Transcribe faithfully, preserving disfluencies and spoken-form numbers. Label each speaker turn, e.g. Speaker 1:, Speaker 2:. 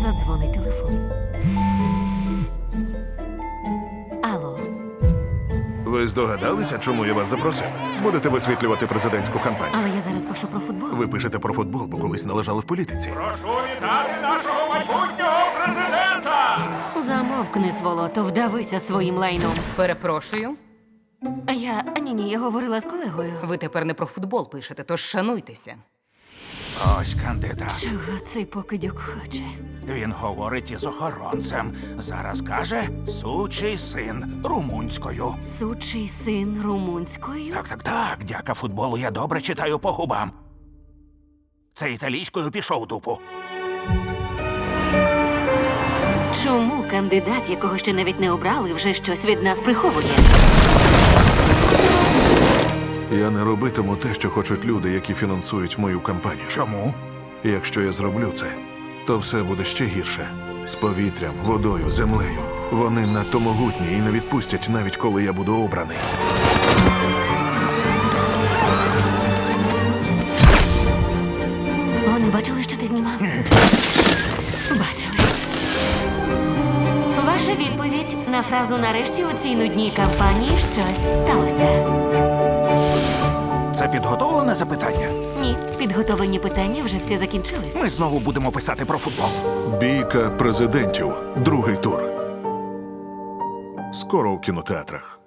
Speaker 1: Задзвонить телефон. Алло.
Speaker 2: Ви здогадалися, чому я вас запросив? Будете висвітлювати президентську кампанію.
Speaker 1: Але я зараз пишу про футбол.
Speaker 2: Ви пишете про футбол, бо колись належали в політиці.
Speaker 3: Прошу вітати нашого майбутнього президента!
Speaker 1: Замовкни, сволото, вдавися своїм лайном.
Speaker 4: Перепрошую,
Speaker 1: Я... Ні-ні, я говорила з колегою.
Speaker 4: ви тепер не про футбол пишете, тож шануйтеся.
Speaker 5: Ось кандидат.
Speaker 1: Чого цей покидьок хоче?
Speaker 5: Він говорить із охоронцем. Зараз каже «сучий син» румунською.
Speaker 1: Сучий син румунською?
Speaker 5: Так, так, так. Дяка футболу я добре читаю по губам. Це італійською пішов дупу.
Speaker 1: Чому кандидат, якого ще навіть не обрали, вже щось від нас приховує?
Speaker 2: Я не робитиму те, що хочуть люди, які фінансують мою кампанію.
Speaker 5: Чому?
Speaker 2: І якщо я зроблю це, то все буде ще гірше. З повітрям, водою, землею. Вони надто могутні і не відпустять, навіть коли я буду обраний.
Speaker 1: Вони бачили, що ти знімав? Бачили. Ваша відповідь на фразу «нарешті у цій нудній кампанії щось сталося».
Speaker 5: Це підготовлене запитання?
Speaker 1: Ні, підготовлені питання вже всі закінчились.
Speaker 5: Ми знову будемо писати про футбол.
Speaker 2: Бійка президентів. Другий тур. Скоро у кінотеатрах.